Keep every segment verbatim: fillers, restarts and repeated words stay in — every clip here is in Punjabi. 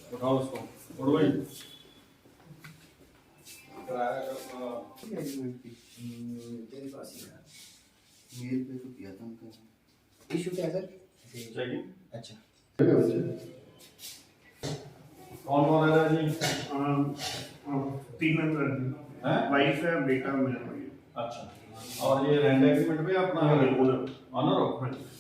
उठाओ उसको उठ भाई मेल पे तो किया था उनका। इशू क्या है सर? चेकिंग अच्छा कौन कौन है जी अम, अम, तीन मेंबर हैं। हैं वाइफ है, बेटा, मैं भाई। अच्छा और ये रेंट एग्रीमेंट पे अपना हाँ, है ओनर। ऑनर हो हाँ जी।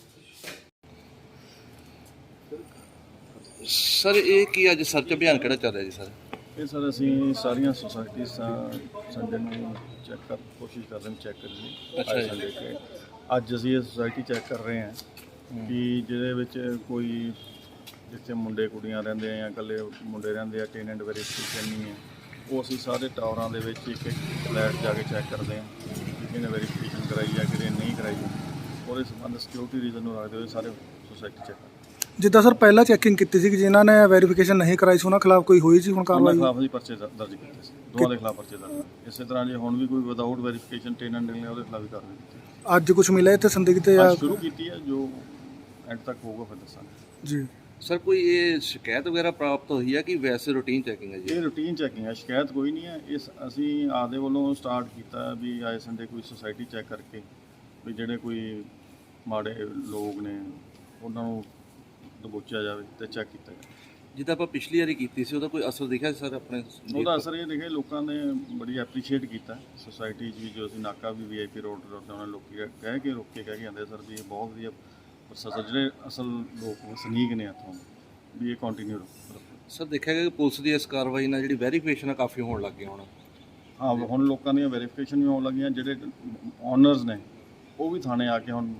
ਸਰ ਇਹ ਕੀ ਅੱਜ ਸਰਚ ਅਭਿਆਨ ਕਿਹੜਾ ਚੱਲ ਰਿਹਾ ਜੀ ਸਰ? ਇਹ ਸਰ ਅਸੀਂ ਸਾਰੀਆਂ ਸੁਸਾਇਟੀਜ਼ ਸੰਡੇ ਨੂੰ ਚੈੱਕ ਕਰ ਕੋਸ਼ਿਸ਼ ਕਰ ਰਹੇ ਹਾਂ ਚੈੱਕ ਕਰਨ ਦੀ। ਅੱਛਾ ਅੱਜ ਜੀ। ਸੰਡੇ ਤੇ ਅੱਜ ਅਸੀਂ ਇਹ ਸੁਸਾਇਟੀ ਚੈੱਕ ਕਰ ਰਹੇ ਹਾਂ ਕਿ ਜਿਹਦੇ ਵਿੱਚ ਕੋਈ ਜਿੱਥੇ ਮੁੰਡੇ ਕੁੜੀਆਂ ਰਹਿੰਦੇ ਆ ਜਾਂ ਇਕੱਲੇ ਮੁੰਡੇ ਰਹਿੰਦੇ ਆ ਟੈਨੈਂਟ ਵੈਰੀਫਿਕੇਸ਼ਨ ਨਹੀਂ ਹੈ, ਉਹ ਅਸੀਂ ਸਾਰੇ ਟਾਵਰਾਂ ਦੇ ਵਿੱਚ ਇੱਕ ਇੱਕ ਫਲੈਟ ਜਾ ਕੇ ਚੈੱਕ ਕਰਦੇ ਹਾਂ ਕਿ ਕਿਹਨੇ ਵੈਰੀਫਿਕੇਸ਼ਨ ਕਰਾਈ ਹੈ ਕਿਹਨੇ ਨਹੀਂ ਕਰਾਈ ਹੈ। ਉਹਦੇ ਸੰਬੰਧ ਸਿਕਿਉਰਿਟੀ ਰੀਜ਼ਨ ਨੂੰ ਰੱਖਦੇ ਹੋਏ ਸਾਰੇ ਸੁਸਾਇਟੀ ਚੈੱਕ ਕਰਦੇ। ਜਿੱਦਾਂ ਸਰ ਪਹਿਲਾਂ ਚੈਕਿੰਗ ਕੀਤੀ ਸੀ ਕਿ ਜਿਨ੍ਹਾਂ ਨੇ ਵੈਰੀਫਿਕੇਸ਼ਨ ਨਹੀਂ ਕਰਾਈ ਸੀ ਉਹਨਾਂ ਖਿਲਾਫ ਕੋਈ ਹੋਈ ਸੀ ਹੁਣ ਉਹਨਾਂ ਕਾਰਵਾਈ? ਖਿਲਾਫ ਅਸੀਂ ਪਰਚੇ ਦਰ- ਦਰਜ ਕੀਤੇ ਸੀ, ਦੋਵਾਂ ਦੇ ਖਿਲਾਫ ਪਰਚੇ ਦਰਜ ਕੀਤੇ। ਇਸੇ ਤਰ੍ਹਾਂ ਜੇ ਹੁਣ ਵੀ ਕੋਈ ਵਿਦਆਊਟ ਵੈਰੀਫਿਕੇਸ਼ਨ ਟੈਨੈਂਟ ਨਿਕਲੇ ਉਹਦੇ ਖਿਲਾਫ ਵੀ ਕਾਰਵਾਈ ਕੀਤੀ। ਅੱਜ ਕੁਝ ਮਿਲਿਆ ਇੱਥੇ ਸੰਦਿਗਧ ਜਾਂ ਅੱਜ ਸ਼ੁਰੂ ਕੀਤੀ ਹੈ, ਜੋ ਐਂਡ ਤੱਕ ਹੋਊਗਾ ਫਿਰ ਦੱਸਾਂਗੇ। ਜੀ ਸਰ ਕੋਈ ਇਹ ਸ਼ਿਕਾਇਤ ਵਗੈਰਾ ਪ੍ਰਾਪਤ ਹੋਈ ਹੈ ਕਿ ਵੈਸੇ ਰੂਟੀਨ ਚੈਕਿੰਗ ਹੈ ਜੀ? ਇਹ ਰੂਟੀਨ ਚੈਕਿੰਗ ਹੈ, ਸ਼ਿਕਾਇਤ ਕੋਈ ਨਹੀਂ ਹੈ। ਇਸ ਅਸੀਂ ਆਪਦੇ ਵੱਲੋਂ ਸਟਾਰਟ ਕੀਤਾ ਵੀ ਆਏ ਸੰਡੇ ਕੋਈ ਸੁਸਾਇਟੀ ਚੈੱਕ ਕਰਕੇ ਵੀ ਜਿਹੜੇ ਕੋਈ ਮਾੜੇ ਲੋਕ ਨੇ ਉਹਨਾਂ ਨੂੰ ਦਬੋਚਿਆ ਜਾਵੇ ਤੇ ਚੈੱਕ ਕੀਤਾ ਜਾਵੇ। ਜਿੱਦਾਂ ਆਪਾਂ ਪਿਛਲੀ ਵਾਰੀ ਕੀਤੀ ਸੀ ਉਹਦਾ ਕੋਈ ਅਸਰ ਦਿਖਿਆ ਸੀ ਸਰ ਆਪਣੇ? ਉਹਦਾ ਅਸਰ ਇਹ ਦੇਖੇ ਲੋਕਾਂ ਨੇ ਬੜੀ ਐਪਰੀਸ਼ੀਏਟ ਕੀਤਾ ਸੁਸਾਇਟੀ 'ਚ ਵੀ। ਜੋ ਅਸੀਂ ਨਾਕਾ ਵੀ ਵੀ ਆਈ ਪੀ ਰੋਡ ਤੇ ਉਹਨਾਂ ਲੋਕੀ ਕਹਿ ਕੇ ਰੋਕ ਕੇ ਕਹਿ ਕੇ ਆਉਂਦੇ ਸਰ ਵੀ ਇਹ ਬਹੁਤ ਵਧੀਆ ਪ੍ਰਸ਼ਾਸਨ ਜਿਹੜੇ ਅਸਲ ਲੋਕ ਵਸਨੀਕ ਨੇ ਇੱਥੋਂ ਵੀ ਇਹ ਕੰਟੀਨਿਊ ਰੱਖੋ। ਸਰ ਦੇਖਿਆ ਗਿਆ ਕਿ ਪੁਲਿਸ ਦੀ ਇਸ ਕਾਰਵਾਈ ਨਾਲ ਜਿਹੜੀ ਵੈਰੀਫਿਕੇਸ਼ਨ ਆ ਕਾਫੀ ਹੋਣ ਲੱਗ ਗਈ ਹੁਣ। ਹਾਂ ਹੁਣ ਲੋਕਾਂ ਦੀਆਂ ਵੈਰੀਫਿਕੇਸ਼ਨ ਵੀ ਹੋਣ ਲੱਗੀਆਂ। ਜਿਹੜੇ ਓਨਰਸ ਨੇ ਉਹ ਵੀ ਥਾਣੇ ਆ ਕੇ ਹੁਣ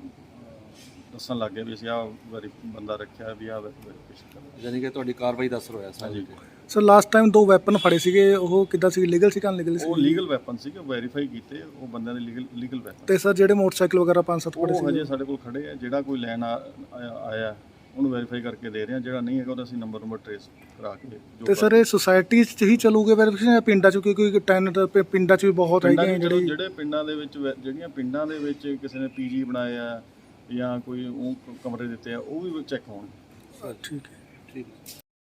ਦੱਸਣ ਲੱਗ ਗਏ ਵੀ ਅਸੀਂ ਆਹ ਵੈਰੀ ਬੰਦਾ ਰੱਖਿਆ ਵੀ ਆਹ ਵੈਰੀਫਿਕੇਸ਼ਨ ਕਰਨਾ। ਯਾਨੀ ਕਿ ਤੁਹਾਡੀ ਕਾਰਵਾਈ ਦਾ ਅਸਰ ਹੋਇਆ ਸਰ? ਹਾਂਜੀ। ਸਰ ਲਾਸਟ ਟਾਈਮ ਦੋ ਵੈਪਨ ਫੜੇ ਸੀਗੇ, ਉਹ ਕਿੱਦਾਂ ਸੀ, ਲੀਗਲ ਸੀ ਕਿ ਅਨਲੀਗਲ ਸੀ? ਉਹ ਲੀਗਲ ਵੈਪਨ ਸੀਗੇ, ਵੈਰੀਫਾਈ ਕੀਤੇ ਉਹ ਬੰਦਿਆਂ ਦੇ ਲੀਗਲ ਲੀਗਲ ਵੈਪਨ। ਤੇ ਸਰ ਜਿਹੜੇ ਮੋਟਰਸਾਈਕਲ ਵਗੈਰਾ ਪੰਜ ਸੱਤ ਫੜੇ ਉਹ ਹਜੇ ਸੀ? ਸਾਡੇ ਕੋਲ ਖੜੇ ਆ। ਜਿਹੜਾ ਕੋਈ ਲੈਣ ਆ- ਆਇਆ ਆਇਆ ਉਹਨੂੰ ਵੈਰੀਫਾਈ ਕਰਕੇ ਦੇ ਰਹੇ ਆ। ਜਿਹੜਾ ਨਹੀਂ ਹੈਗਾ ਉਹਦਾ ਅਸੀਂ ਨੰਬਰ ਨੰਬਰ ਟ੍ਰੇਸ ਕਰਾ ਕੇ ਜੋ ਤੇ ਸਰ ਇਹ ਸੁਸਾਇਟੀ 'ਚ ਹੀ ਚੱਲੂਗੇ ਵੈਰੀਫਿਕੇਸ਼ਨ ਜਾਂ ਪਿੰਡਾਂ 'ਚ? ਕਿਉਂਕਿ ਟੈਨਟ ਪਿੰਡਾਂ 'ਚ ਵੀ ਬਹੁਤ ਪਿੰਡਾਂ ਹੈਗੇ ਦੇ ਜਿਹੜੇ ਜਿਹੜੇ ਪਿੰਡਾਂ ਦੇ ਵਿੱਚ ਵੈ- ਜਿਹੜੀਆਂ ਪਿੰਡਾਂ ਦੇ ਵਿੱਚ ਕਿਸੇ ਨੇ ਪੀਜੀ ਬਣਾਏ ਆ ਜਾਂ ਕੋਈ ਉਹ ਕਮਰੇ ਦਿੱਤੇ ਆ ਉਹ ਵੀ ਚੈੱਕ ਹੋਣਗੇ। ਠੀਕ ਹੈ। ਠੀਕ ਹੈ।